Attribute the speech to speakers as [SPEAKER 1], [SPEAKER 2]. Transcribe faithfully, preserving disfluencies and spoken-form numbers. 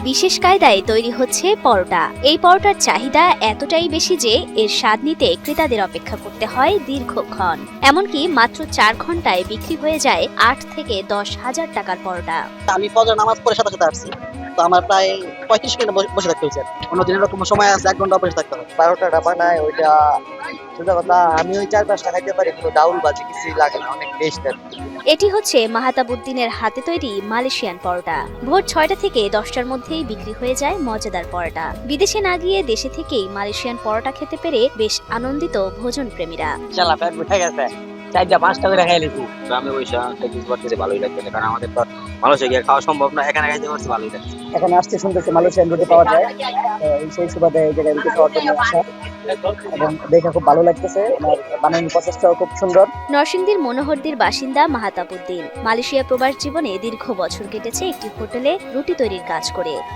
[SPEAKER 1] বিশেষ কায়দায় তৈরি হচ্ছে পরোটা। এই পরোটার চাহিদা এতটাই বেশি যে এর স্বাদ নিতে ক্রেতাদের অপেক্ষা করতে হয় দীর্ঘক্ষণ। এমনকি মাত্র চার ঘন্টায় বিক্রি হয়ে যায় আট থেকে দশ হাজার টাকার পরোটা।
[SPEAKER 2] আমি ফজর নামাজ পড়ে সাথে সাথে আসছি, তো আমার প্রায় পঁয়ত্রিশ মিনিট বসে থাকতে হয়েছে। অন্যদিন এরকম সময় আছে এক ঘন্টা বসে থাকতে হবে।
[SPEAKER 3] বারোটাটা বানায় ওইটা সোজা কথা, আমি ওই চার পাঁচটা খাইতে পারি, কোনো ডাউল বাজে কিছুই লাগে না, অনেক টেস্ট।
[SPEAKER 1] এটি হচ্ছে মাহতাবউদ্দিনের হাতে তৈরি মালয়েশিয়ান পরোটা। ভোর ছয়টা থেকে দশটার মধ্যেই বিক্রি হয়ে যায় মজাদার পরোটা। বিদেশে না গিয়ে দেশে থেকেই মালয়েশিয়ান পরোটা খেতে পেরে বেশ আনন্দিত ভোজন প্রেমীরা।
[SPEAKER 3] চালা পেট উঠে গেছে, চারটা পাঁচটা করে খাই লিখি।
[SPEAKER 4] গ্রামে বসে খাইতে পারতেছে, ভালোই লাগছে, কারণ আমাদের তো মানুষে গিয়ে খাওয়া সম্ভব না, এখানে খাইতে পারছে, ভালোই লাগছে।
[SPEAKER 2] এখানে আসতে শুনতেছি মালয়েশিয়ান রুটি পাওয়া যায়, সেই সুবাদে এই জায়গায় রুটি খাওয়ার জন্য আসা এবং দেখে খুব ভালো লাগতেছে। বানানোর প্রসেসটাও খুব সুন্দর।
[SPEAKER 1] নরসিংদীর মনোহরদীর বাসিন্দা মাহতাবউদ্দিন মালয়েশিয়া প্রবাস জীবনে দীর্ঘ বছর কেটেছে একটি হোটেলে রুটি তৈরির কাজ করে।